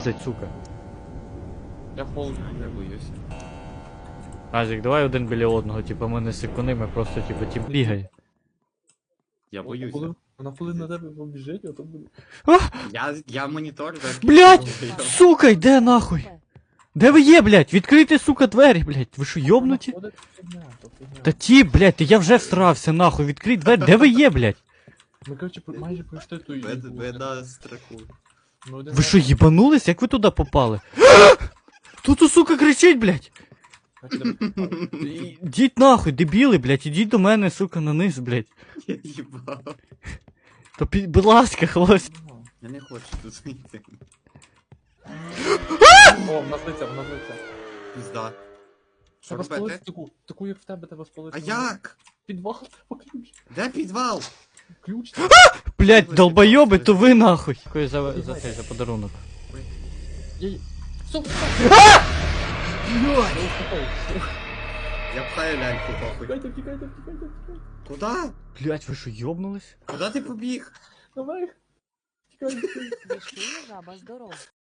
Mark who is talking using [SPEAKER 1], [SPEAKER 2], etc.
[SPEAKER 1] сука.
[SPEAKER 2] Я холодно.
[SPEAKER 3] Я боюсь.
[SPEAKER 1] Азік, давай один біля одного, типа ми не сикуни, ми просто типа ті бігай.
[SPEAKER 3] Я боюсь.
[SPEAKER 2] Вона коли на тебе побіжить, а то буде.
[SPEAKER 3] Я монітор за.
[SPEAKER 1] Блять! Сука, йде нахуй! Де ви є, блять? Відкрийте, сука, двері, блять. Ви що, йобнуті?
[SPEAKER 2] Вона ходить, фігня, то фігня.
[SPEAKER 1] Та ті, блять, я вже всрався, нахуй, відкрий двері. Де ви є, блять?
[SPEAKER 2] Ми, коротше, майже пройшли ту їбу.
[SPEAKER 3] Ви на страху.
[SPEAKER 2] Ми один
[SPEAKER 1] Ви що,
[SPEAKER 2] раз-
[SPEAKER 1] їбанулись? Як ви туди попали? Хто тут, сука, кричить, блять? Ідіть нахуй, дебіли, блять, ідіть до мене, сука, на низ, блять.
[SPEAKER 3] Я їбав.
[SPEAKER 1] То будь ласка, хлопці.
[SPEAKER 3] Я не хочу тут йти.
[SPEAKER 2] О, в нас лиця, в нас лиця.
[SPEAKER 3] Пізда. Що
[SPEAKER 2] Треба спалити
[SPEAKER 3] робити?
[SPEAKER 2] таку, як в тебе треба спалити.
[SPEAKER 3] А як?
[SPEAKER 2] Підвал, треба ключ.
[SPEAKER 3] Де підвал?
[SPEAKER 2] Ключ.
[SPEAKER 1] Блять, долбойоби, то ви нахуй. Дякую за цей, за подарунок.
[SPEAKER 2] Стоп,
[SPEAKER 3] Я пхаю ляльку, похуй.
[SPEAKER 2] Втікайте, втікайте, втікайте, втікайте.
[SPEAKER 3] Куда?
[SPEAKER 1] Блять, ви що, йобнулись?
[SPEAKER 3] Куда ти побіг?
[SPEAKER 2] Наверх. Втікайте.
[SPEAKER 4] Вишкує жаба здоров.